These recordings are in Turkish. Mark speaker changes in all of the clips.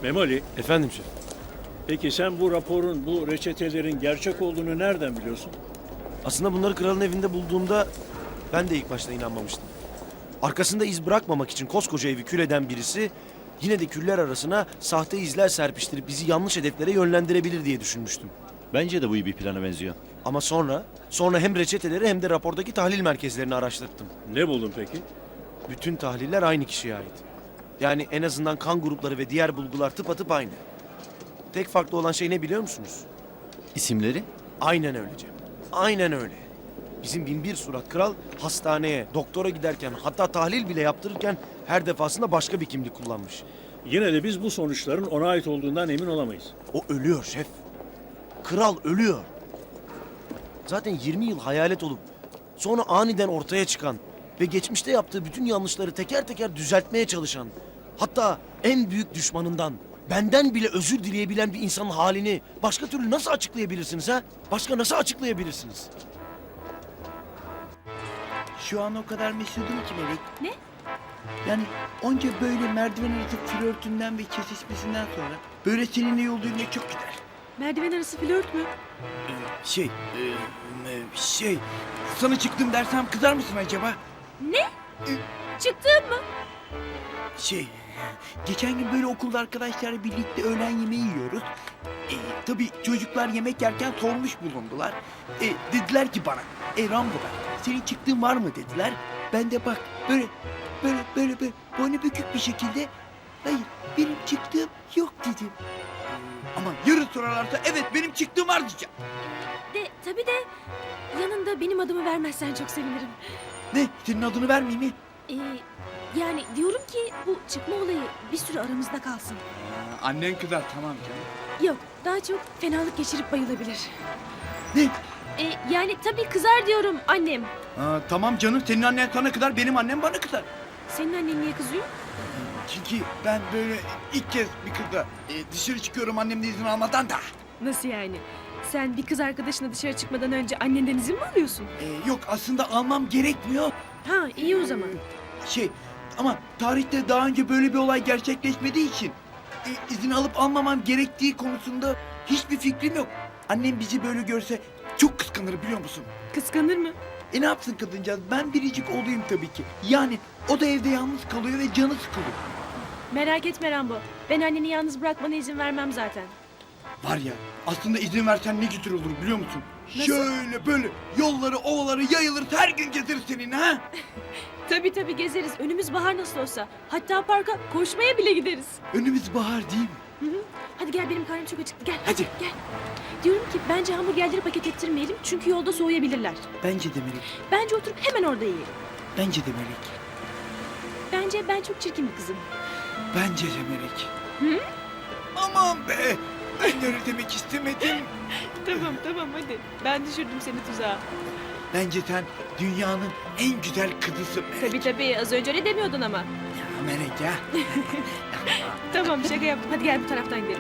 Speaker 1: Memoli,
Speaker 2: Efendim şef.
Speaker 1: peki sen bu raporun, bu reçetelerin gerçek olduğunu nereden biliyorsun?
Speaker 2: Aslında bunları kralın evinde bulduğumda ben de ilk başta inanmamıştım. Arkasında iz bırakmamak için koskoca evi kül eden birisi yine de küller arasına sahte izler serpiştirip bizi yanlış hedeflere yönlendirebilir diye düşünmüştüm.
Speaker 3: Bence de bu iyi bir plana benziyor.
Speaker 2: Ama sonra hem reçeteleri hem de rapordaki tahlil merkezlerini araştırdım.
Speaker 1: Ne buldun peki?
Speaker 2: Bütün tahliller aynı kişiye ait. Yani en azından kan grupları ve diğer bulgular tıpatıp aynı. Tek farklı olan şey ne biliyor musunuz?
Speaker 3: İsimleri?
Speaker 2: Aynen öyle Cem. Aynen öyle. Bizim binbir surat kral hastaneye, doktora giderken hatta tahlil bile yaptırırken her defasında başka bir kimlik kullanmış.
Speaker 1: Yine de biz bu sonuçların ona ait olduğundan emin olamayız.
Speaker 2: O ölüyor şef. Kral ölüyor. Zaten 20 yıl hayalet olup sonra aniden ortaya çıkan ve geçmişte yaptığı bütün yanlışları teker teker düzeltmeye çalışan, hatta en büyük düşmanından, benden bile özür dileyebilen bir insanın halini başka türlü nasıl açıklayabilirsiniz ha? Başka nasıl açıklayabilirsiniz?
Speaker 4: Şu an o kadar mesudum ki Melek.
Speaker 5: Ne?
Speaker 4: Yani onca böyle merdiven arası flörtünden ve kesişmesinden sonra böyle seninle yol yürümek çok gider.
Speaker 5: Merdiven arası flört mü?
Speaker 4: Sana çıktım dersem kızar mısın acaba?
Speaker 5: Ne? Çıktın mı?
Speaker 4: Geçen gün böyle okulda arkadaşlarla birlikte öğlen yemeği yiyoruz. Tabii çocuklar yemek yerken sormuş bulundular. Dediler ki bana, Rambo'da senin çıktığın var mı dediler. Ben de bak böyle boynu bükük bir şekilde hayır benim çıktığım yok dedim. Ama yarın sorarlarsa evet benim çıktığım var diyeceğim.
Speaker 5: Tabii de yanında benim adımı vermezsen çok sevinirim.
Speaker 4: Ne? Senin adını vermeyeyim mi?
Speaker 5: Yani diyorum ki bu çıkma olayı bir süre aramızda kalsın.
Speaker 4: Annen kızar tamam canım.
Speaker 5: Yok, daha çok fenalık geçirip bayılabilir.
Speaker 4: Ne?
Speaker 5: Yani tabii kızar diyorum annem.
Speaker 4: Tamam canım senin annen sana kızar benim annem bana kızar.
Speaker 5: Senin annen niye kızıyor?
Speaker 4: Çünkü ben böyle ilk kez bir kızla dışarı çıkıyorum annemden izin almadan da.
Speaker 5: Nasıl yani? Sen bir kız arkadaşına dışarı çıkmadan önce annenden izin mi alıyorsun?
Speaker 4: Yok aslında almam gerekmiyor.
Speaker 5: Ha, iyi o zaman.
Speaker 4: Ama tarihte daha önce böyle bir olay gerçekleşmediği için izin alıp almamam gerektiği konusunda hiçbir fikrim yok. Annem bizi böyle görse çok kıskanır biliyor musun?
Speaker 5: Kıskanır mı?
Speaker 4: Ne yapsın kadıncağız ben biricik olayım tabii ki. Yani o da evde yalnız kalıyor ve canı sıkılıyor.
Speaker 5: Merak etme Rambo. Ben anneni yalnız bırakmana izin vermem zaten.
Speaker 4: Var ya aslında izin versen ne güzel olur biliyor musun?
Speaker 5: Nasıl?
Speaker 4: Şöyle böyle yolları ovaları yayılır her gün gezeriz seninle ha?
Speaker 5: Tabii gezeriz. Önümüz bahar nasıl olsa. Hatta parka koşmaya bile gideriz.
Speaker 4: Önümüz bahar değil mi?
Speaker 5: Hı hı. Hadi gel benim karnım çok acıktı. Gel
Speaker 4: Hadi.
Speaker 5: gel. Diyorum ki bence hamburgerleri paket ettirmeyelim çünkü yolda soğuyabilirler.
Speaker 4: Bence de Melek.
Speaker 5: Bence oturup hemen orada yiyelim.
Speaker 4: Bence de Melek.
Speaker 5: Bence ben çok çirkin bir kızım.
Speaker 4: Bence de Melek.
Speaker 5: Hı?
Speaker 4: Aman be! Ben öyle demek istemedim.
Speaker 5: Tamam hadi. Ben düşürdüm seni tuzağa.
Speaker 4: Bence sen dünyanın en güzel kızısın Melek.
Speaker 5: Tabii az önce öyle demiyordun ama.
Speaker 4: Ya Melek ya.
Speaker 5: Tamam şaka yaptım. Hadi gel bu taraftan gidelim.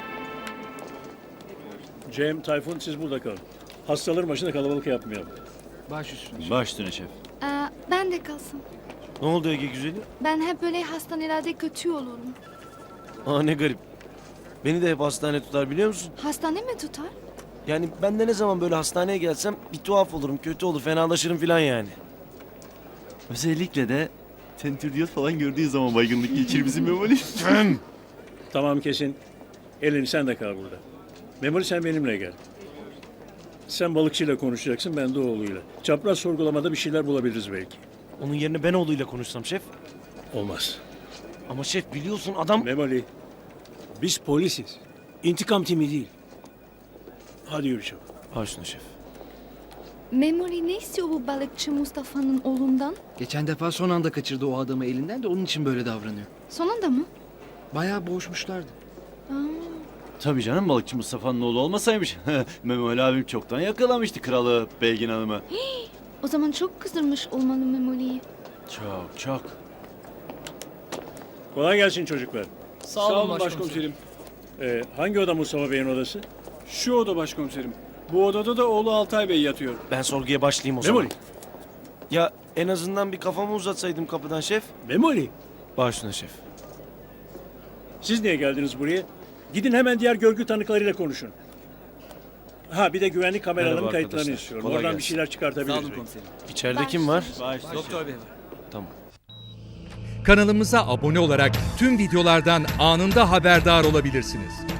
Speaker 1: Cem, Tayfun siz burada kalın. Hastaların başında kalabalık yapmayalım.
Speaker 3: Baş üstüne şef.
Speaker 6: Ben de kalsın.
Speaker 2: Ne oldu Ege güzeli?
Speaker 6: Ben hep böyle hastanelerde kötü olurum.
Speaker 2: Ne garip. Beni de hep hastane tutar biliyor musun?
Speaker 6: Hastane mi tutar?
Speaker 2: Yani ben de ne zaman böyle hastaneye gelsem bir tuhaf olurum, kötü olur, fenalaşırım falan yani.
Speaker 3: Özellikle de tentürdiyot falan gördüğü zaman baygınlık geçirir bizim Memoli.
Speaker 1: Tamam kesin. Elini sen de kal burada. Memoli sen benimle gel. Sen balıkçıyla konuşacaksın, ben de oğluyla. Çapraz sorgulamada bir şeyler bulabiliriz belki.
Speaker 2: Onun yerine ben oğluyla konuşsam şef.
Speaker 1: Olmaz.
Speaker 2: Ama şef biliyorsun adam...
Speaker 1: Memoli, biz polisiz. İntikam timi değil. Hadi yürü çabuk.
Speaker 2: Başına şef.
Speaker 6: Memoli ne istiyor bu balıkçı Mustafa'nın oğlundan?
Speaker 7: Geçen defa son anda kaçırdı o adamı elinden de onun için böyle davranıyor.
Speaker 6: Sonunda mı?
Speaker 7: Bayağı boğuşmuşlardı.
Speaker 6: Aa,
Speaker 3: Tabii canım balıkçı Mustafa'nın oğlu olmasaymış. Memoli abim çoktan yakalamıştı kralı Belgin Hanım'ı.
Speaker 6: o zaman çok kızdırmış olmalı Memoli'yi.
Speaker 3: Çok.
Speaker 1: Kolay gelsin çocuklar.
Speaker 8: Sağ olun başkomiserim.
Speaker 1: Hangi oda Mustafa Bey'in odası?
Speaker 8: Şu oda başkomiserim. Bu odada da oğlu Altay Bey yatıyor.
Speaker 2: Ben sorguya başlayayım o zaman.
Speaker 1: Memoli.
Speaker 2: Ya en azından bir kafamı uzatsaydım kapıdan şef.
Speaker 1: Memoli.
Speaker 2: Başına şef.
Speaker 1: Siz niye geldiniz buraya? Gidin hemen diğer görgü tanıklarıyla konuşun. Ha bir de güvenlik kameralarının
Speaker 2: Merhaba
Speaker 1: kayıtlarını
Speaker 2: arkadaşlar.
Speaker 1: istiyorum.
Speaker 2: Kolay
Speaker 1: Oradan bir
Speaker 2: gelsin.
Speaker 1: şeyler çıkartabiliriz.
Speaker 2: İçeride kim var?
Speaker 7: Doktor bey var.
Speaker 2: Tamam.
Speaker 9: Kanalımıza abone olarak tüm videolardan anında haberdar olabilirsiniz.